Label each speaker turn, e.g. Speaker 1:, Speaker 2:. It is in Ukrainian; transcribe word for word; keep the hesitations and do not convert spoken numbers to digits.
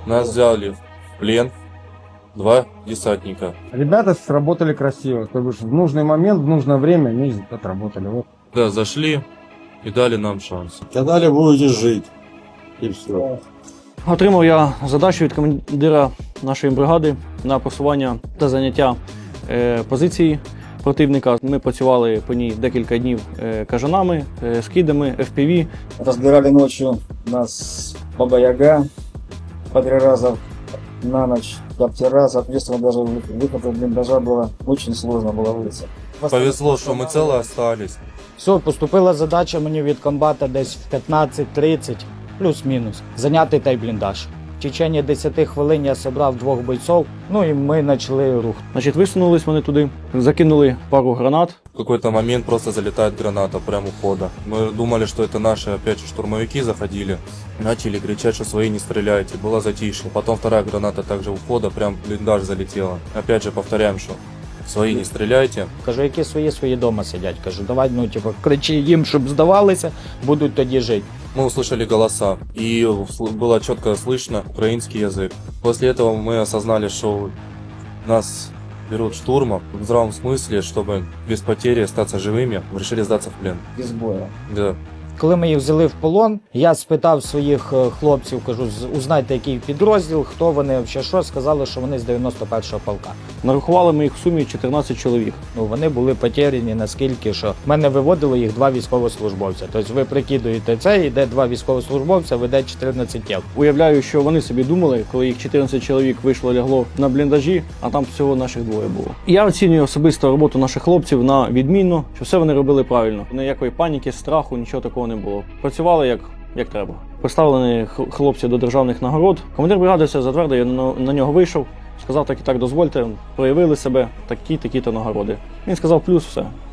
Speaker 1: Нас взяли в плен два десантника.
Speaker 2: Ребята сработали красиво, то бишь в нужный момент, в нужное время они отработали. Вот.
Speaker 1: Да, зашли и дали нам шанс.
Speaker 3: Сказали, будете жить. И все.
Speaker 4: Отримав я задачу від командира нашої бригади на просування та заняття е, позиції противника. Ми працювали по ній декілька днів е, кажанами, е, скидами, еф пі ві.
Speaker 5: Разбирали ночью нас Баба Яга по три раза на ночь, коптера, соответственно, даже выход из блиндажа было очень сложно было выйти.
Speaker 1: Повезло, что мы целы остались.
Speaker 6: Все, поступила задача мені від комбата десь в п'ятнадцять тридцять, плюс-мінус, зайняти той бліндаж. В течение десяти хвилин я зібрав двох бойців, ну і ми почали рух.
Speaker 4: Значить, висунулись вони туди, закинули пару гранат.
Speaker 1: В какой-то момент просто залетает граната прямо у входа. Мы думали, что это наши опять же штурмовики заходили. Начали кричать, что свои не стреляйте. Было затишье. Потом вторая граната также у входа прям в блиндаж залетела. Опять же повторяем, что свои не стреляйте.
Speaker 6: Кажу, які свої, свої дома сидять. Кажу, давай, ну, типу, кричи їм, щоб здавалися, будуть тоді жити.
Speaker 1: Мы услышали голоса, и сл- было четко слышно украинский язык. После этого мы осознали, что нас берут штурмом в здравом смысле, чтобы без потери остаться живыми, решили сдаться в плен.
Speaker 5: Без боя.
Speaker 1: Да.
Speaker 6: Коли ми їх взяли в полон, я спитав своїх е, хлопців, кажу, «З- узнайте, який підрозділ, хто вони, взагалі що, сказали, що вони з дев'яносто першого полка.
Speaker 4: Нарахували ми їх в сумі чотирнадцять чоловік.
Speaker 6: Ну, вони були потеряні наскільки, що в мене виводило їх два військовослужбовця. Тобто ви прикидуєте це, йде два військовослужбовця, веде чотирнадцять тіл.
Speaker 4: Уявляю, що вони собі думали, коли їх чотирнадцять чоловік вийшло лягло на бліндажі, а там всього наших двоє було. Я оцінюю особисто роботу наших хлопців на відмінно, що все вони робили правильно. Ніякої паніки, страху, нічого такого не було. Працювали як, як треба. Представлені х- хлопці до державних нагород. Командир бригади все затвердив, я на, на нього вийшов, сказав так і так дозвольте, проявили себе, такі-такі-то нагороди. Він сказав плюс, все.